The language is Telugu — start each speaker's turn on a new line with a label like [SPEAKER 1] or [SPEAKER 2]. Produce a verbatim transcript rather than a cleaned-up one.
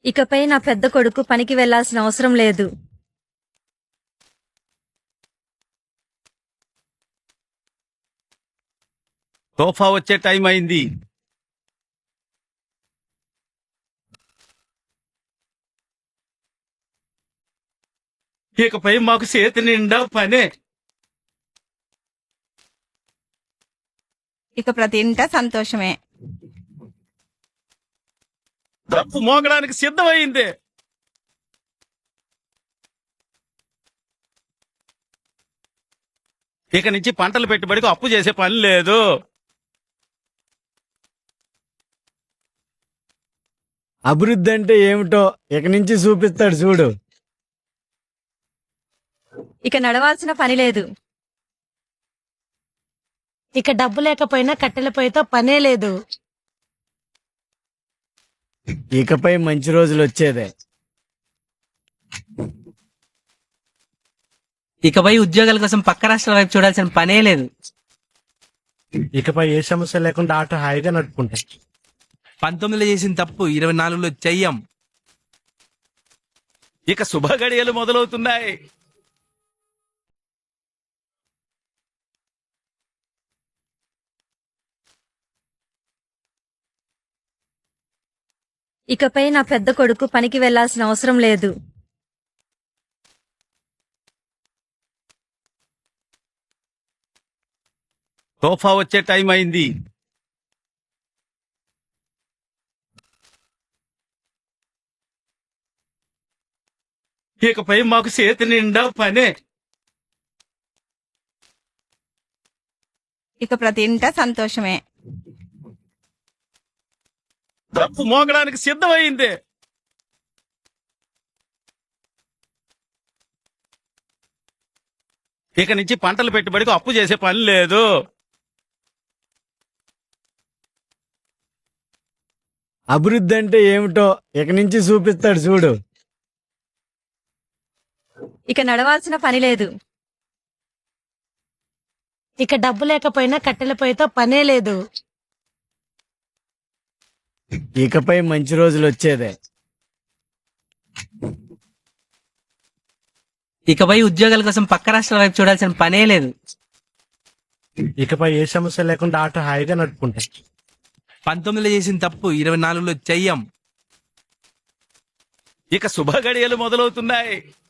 [SPEAKER 1] ఇకపై నా పెద్ద కొడుకు పనికి వెళ్లాల్సిన అవసరం లేదు.
[SPEAKER 2] సోఫా వచ్చే టైం అయింది. ఇకపై మాకు చేతి నిండా పనే.
[SPEAKER 3] ఇక ప్రతి ఇంట సంతోషమే.
[SPEAKER 2] డప్పు మోగడానికి సిద్ధమైంది. ఇక నుంచి పంటలు పెట్టుబడికి అప్పు చేసే పని లేదు.
[SPEAKER 4] అభివృద్ధి అంటే ఏమిటో ఇక నుంచి చూపిస్తాడు చూడు.
[SPEAKER 1] ఇక నడవాల్సిన పని లేదు.
[SPEAKER 5] ఇక డబ్బు లేకపోయినా కట్టెల పొయ్యితో పనే లేదు.
[SPEAKER 4] ఇకపై మంచి రోజులు వచ్చేదే.
[SPEAKER 6] ఇకపై ఉద్యోగాల కోసం పక్క రాష్ట్రాల వైపు చూడాల్సిన పనే లేదు.
[SPEAKER 7] ఇకపై ఏ సమస్య లేకుండా ఆటో హాయిగా నడుపుకుంటాయి.
[SPEAKER 6] పంతొమ్మిదిలో చేసిన తప్పు ఇరవై నాలుగులో చెయ్యం.
[SPEAKER 2] ఇక శుభ గడియలు మొదలవుతున్నాయి.
[SPEAKER 1] ఇకపై నా పెద్ద కొడుకు పనికి వెళ్లాల్సిన అవసరం లేదు.
[SPEAKER 2] సోఫా వచ్చే టైం అయింది. ఇకపై మాకు చేతి నిండా పనే.
[SPEAKER 3] ఇక ప్రతి ఇంట సంతోషమే.
[SPEAKER 2] డప్పు మోగడానికి సిద్ధమైంది. ఇక నుంచి పంటలు పెట్టుబడికి అప్పు చేసే పని లేదు.
[SPEAKER 4] అభివృద్ధి అంటే ఏమిటో ఇక నుంచి చూపిస్తాడు చూడు.
[SPEAKER 1] ఇక నడవాల్సిన పని లేదు.
[SPEAKER 5] ఇక డబ్బు లేకపోయినా కట్టెల పొయ్యితో పనే లేదు.
[SPEAKER 4] ఇకపై మంచి రోజులు వచ్చేదే.
[SPEAKER 6] ఇకపై ఉద్యోగాల కోసం పక్క రాష్ట్రాల వైపు చూడాల్సిన పనే లేదు.
[SPEAKER 7] ఇకపై ఏ సమస్య లేకుండా ఆటో హాయిగా నడుపుకుంటాయి.
[SPEAKER 6] పంతొమ్మిదిలో చేసిన తప్పు ఇరవై నాలుగులో చెయ్యం.
[SPEAKER 2] ఇక శుభ గడియలు మొదలవుతున్నాయి.